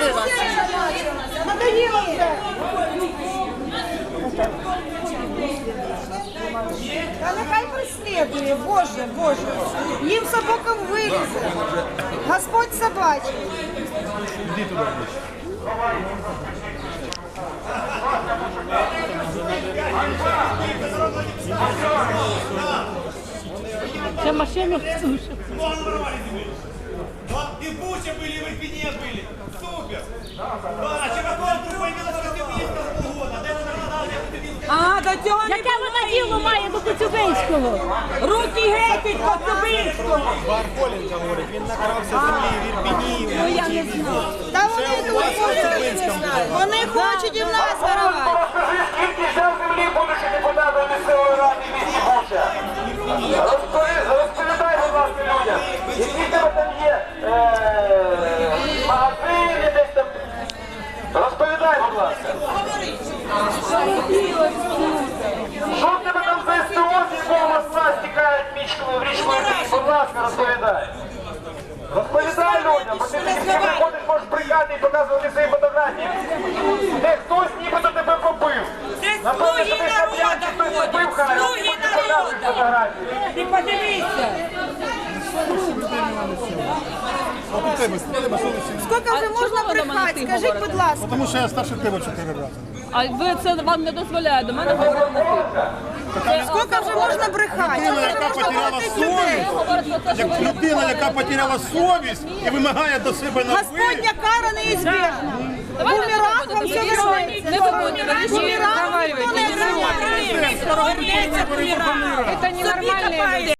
вас. Надоело вже. Та нехай преслідує, Боже, Боже. Їм собакам вилізе. Господь собачий. Іди туди ближче. Це машину слушать. И в Буче были, и в Ирпене были. Супер! Да, а Чебаков появился в Коцюбинском полгода. Де вона надала, як Коцюбинська? А, до цього не Яке вона діло має до Коцюбинського? руки геть від Коцюбинського. Бархоленко говорить, він накрався землі в Ірпіні. Ну я не знаю. Та вони хочуть і в нас воровати. Розкажи, скільки взяв землі, будучи депутатом місцевої ради в місті Буча. Розповідай, будь ласка, людям, які в тебе там є магазини десь там. Розповідай, будь ласка. Що в тебе там за СТО, з якого моста стікають в річку Ірпінь? Будь ласка, розповідай. Розповідай людям, бо ти приходиш, можеш бригати і показувати свої фотографії. Де хтось нібито тебе побив. Це Напевно, слуги що ти хап'янки хтось народу побив, ходять, хай, слуги ти показуєш народу. фотографії. Ти подивися. А у тебе совісті. Скільки вже можна брехати? Скажіть, будь ласка. Тому що я старше тебе 4 рази. А ви це вам не дозволяє до мене говорити. Скільки вже можна брехати? Людина, яка потеряла совість, як людина, яка потеряла совість і вимагає до себе на ви. Господня кара неізбежна. Давайте Бумеранг не вам все виходити. вернеться. Не виходити. Бумеранг ніхто не вернеться. Це ненормальне.